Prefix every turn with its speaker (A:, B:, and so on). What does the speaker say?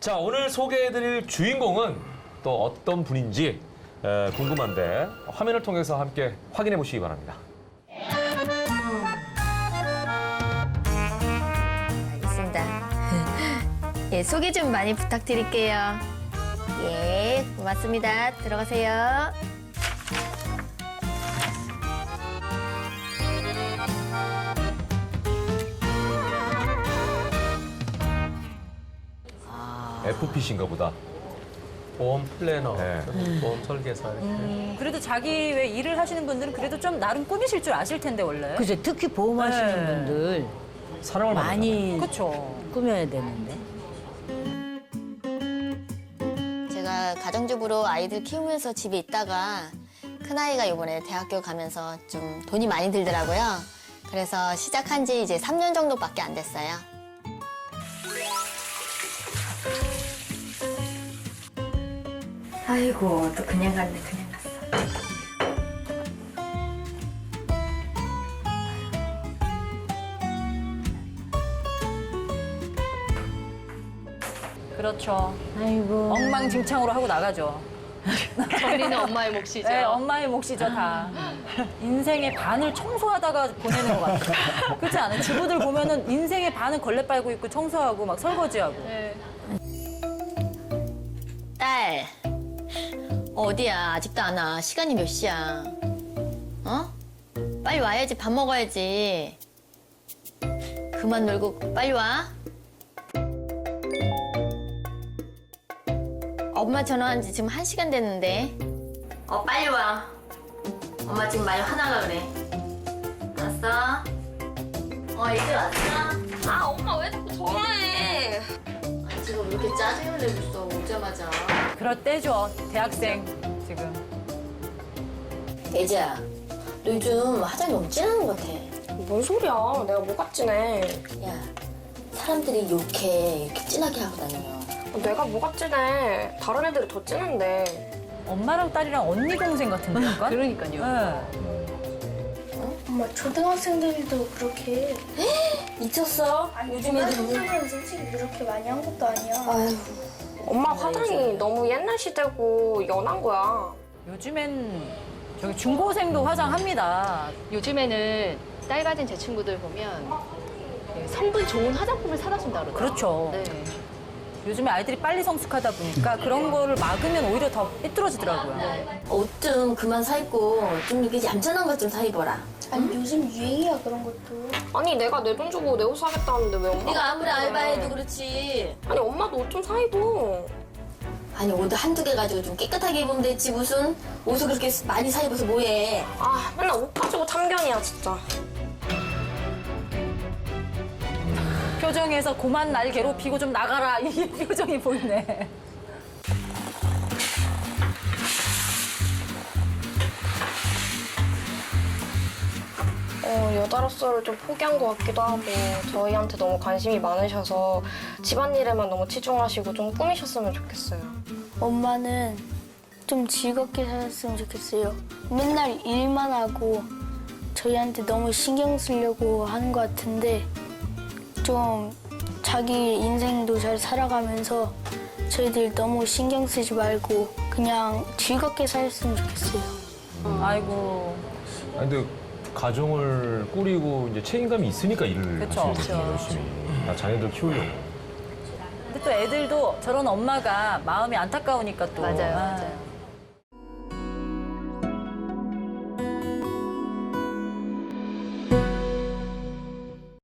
A: 자, 오늘 소개해드릴 주인공은 또 어떤 분인지 궁금한데 화면을 통해서 함께 확인해 보시기 바랍니다.
B: 알겠습니다. 예, 소개 좀 많이 부탁드릴게요. 예, 고맙습니다. 들어가세요.
A: FPC인가 보다.
C: 보험 플래너,
A: 네.
C: 보험 설계사.
D: 그래도 자기 왜 일을 하시는 분들은 그래도 좀 나름 꾸미실 줄 아실 텐데 원래.
E: 그죠. 특히 보험하시는
D: 네.
E: 분들
A: 사랑을
E: 많이
D: 그렇죠.
E: 꾸며야 되는데.
B: 제가 가정주부로 아이들 키우면서 집에 있다가 큰아이가 이번에 대학교 가면서 좀 돈이 많이 들더라고요. 그래서 시작한 지 이제 3년 정도밖에 안 됐어요. 아이고, 또 그냥 갔네, 그냥 갔어.
D: 그렇죠.
E: 아이고.
D: 엉망진창으로 하고 나가죠.
F: 정리는 엄마의 몫이죠.
D: 네, 엄마의 몫이죠, 다. 인생의 반을 청소하다가 보내는 것 같아요. 그렇지 않아요? 주부들 보면은 인생의 반은 걸레 빨고 있고 청소하고 막 설거지하고.
F: 네.
B: 딸, 어디야? 아직도 안 와. 시간이 몇 시야? 어? 빨리 와야지. 밥 먹어야지. 그만 놀고 빨리 와. 엄마 전화한 지 지금 1시간 됐는데. 빨리 와. 엄마 지금 많이 화나가 그래. 왔어? 이제 왔어?
F: 아, 엄마 왜 자꾸 전화해?
B: 지금 왜 이렇게 짜증을 내고 있어, 오자마자.
D: 그럴 때죠, 대학생 지금.
B: 예지야, 너 요즘 화장이 너무 진한 것 같아.
G: 뭔 소리야? 내가 뭐가 진해?
B: 야, 사람들이 욕해 이렇게 진하게 하고 다니면.
G: 내가 뭐가 진해? 다른 애들이 더 진한데.
D: 엄마랑 딸이랑 언니 동생 같은데 약간?
F: 그러니까요.
D: 네.
H: 엄마 초등학생들도 그렇게
B: 미쳤어? 요즘 애들
H: 초등학생은 솔직히 그렇게 많이 한 것도 아니야.
B: 아유,
G: 엄마 화장이 너무 옛날 시대고 연한 거야.
D: 요즘엔 저기 중고생도 화장합니다.
F: 요즘에는 딸 가진 제 친구들 보면 성분 좋은 화장품을 사다 준다 그러더라고요.
D: 그렇죠.
F: 네.
D: 요즘에 아이들이 빨리 성숙하다 보니까 그런 거를 막으면 오히려 더 삐뚤어지더라고요.
B: 옷 좀 그만 사 입고 좀 이렇게 얌전한 것 좀 사 입어라.
H: 아니 요즘 유행이야 그런 것도.
G: 아니 내가 내 돈 주고 내 옷 사겠다는데 왜 엄마?
B: 네가 아무리 알바해도 그렇지.
G: 아니 엄마도 옷 좀 사 입어.
B: 아니 옷 한두 개 가지고 좀 깨끗하게 입으면 됐지 무슨 옷을 그렇게 많이 사 입어서 뭐해.
G: 아 맨날 옷 가지고 참견이야 진짜.
D: 표정에서 고만 날 괴롭히고 좀 나가라 이 표정이 보이네.
G: 여자로서를 좀 포기한 것 같기도 하고 저희한테 너무 관심이 많으셔서 집안일에만 너무 치중하시고 좀 꾸미셨으면 좋겠어요.
H: 엄마는 좀 즐겁게 살았으면 좋겠어요. 맨날 일만 하고 저희한테 너무 신경 쓰려고 하는 것 같은데 좀 자기 인생도 잘 살아가면서 저희들 너무 신경 쓰지 말고 그냥 즐겁게 살았으면 좋겠어요.
D: 아이고.
A: 아니, 근데 가정을 꾸리고 이제 책임감이 있으니까 일을
D: 그쵸.
A: 하시는 거죠, 열심히. 나 자녀들 키우려고.
D: 근데 또 애들도 저런 엄마가 마음이 안타까우니까 또.
F: 맞아요,
D: 아,
F: 맞아요.